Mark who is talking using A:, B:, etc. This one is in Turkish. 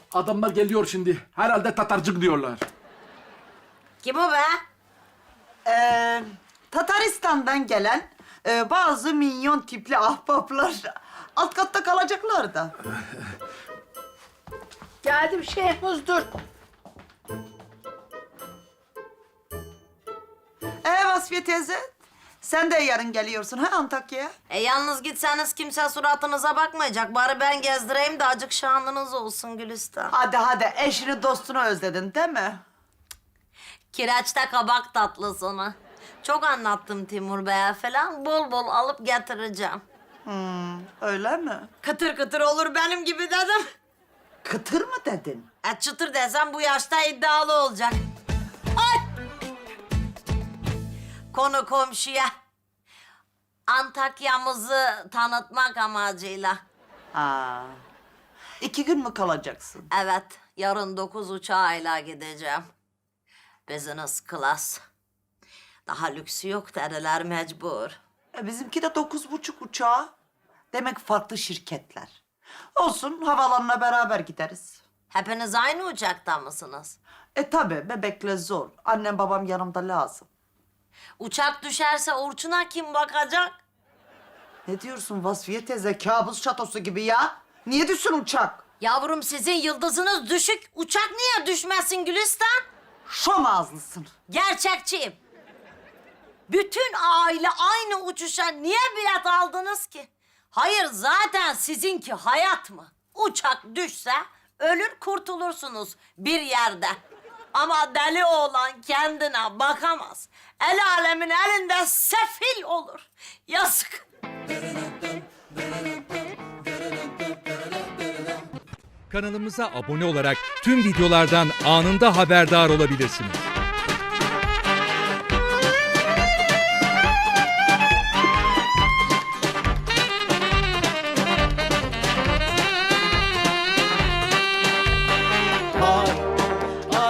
A: Adamlar geliyor şimdi. Herhalde Tatarcık diyorlar.
B: Kim o be?
C: Tataristan'dan gelen bazı minyon tipli ahbaplar alt katta kalacaklar da.
D: Geldim Şehmuz, dur.
C: Vasfiye teyze, sen de yarın geliyorsun ha Antakya'ya?
B: Yalnız gitseniz kimse suratınıza bakmayacak. Bari ben gezdireyim de acık şanınız olsun Gülistan.
C: Hadi, eşini dostunu özledin değil mi?
B: Kireçte kabak tatlısını. Çok anlattım Timur Bey'e falan. Bol bol alıp getireceğim.
C: Öyle mi?
B: Kıtır kıtır olur benim gibi dedim.
C: Kıtır mı dedin?
B: Çıtır desem bu yaşta iddialı olacak. Ay! Konu komşuya. Antakya'mızı tanıtmak amacıyla.
C: Ha. 2 gün mü kalacaksın?
B: Evet, yarın 9 uçağıyla gideceğim. Business class. Daha lüksü yok dediler mecbur.
C: Bizimki de 9.30 uçağı. Demek farklı şirketler. Olsun, havalanına beraber gideriz.
B: Hepiniz aynı uçakta mısınız?
C: Tabii, bebekle zor. Annem babam yanımda lazım.
B: Uçak düşerse Orçun'a kim bakacak?
C: Ne diyorsun Vasfiye teyze? Kabus şatosu gibi ya. Niye düşsün uçak?
B: Yavrum sizin yıldızınız düşük. Uçak niye düşmesin Gülistan?
C: Şom ağızlısın.
B: Gerçekçiyim. Bütün aile aynı uçuşa niye bilet aldınız ki? Hayır zaten sizinki hayat mı? Uçak düşse ölür kurtulursunuz bir yerde. Ama deli oğlan kendine bakamaz. El alemin elinde sefil olur. Yazık.
E: Kanalımıza abone olarak tüm videolardan anında haberdar olabilirsiniz.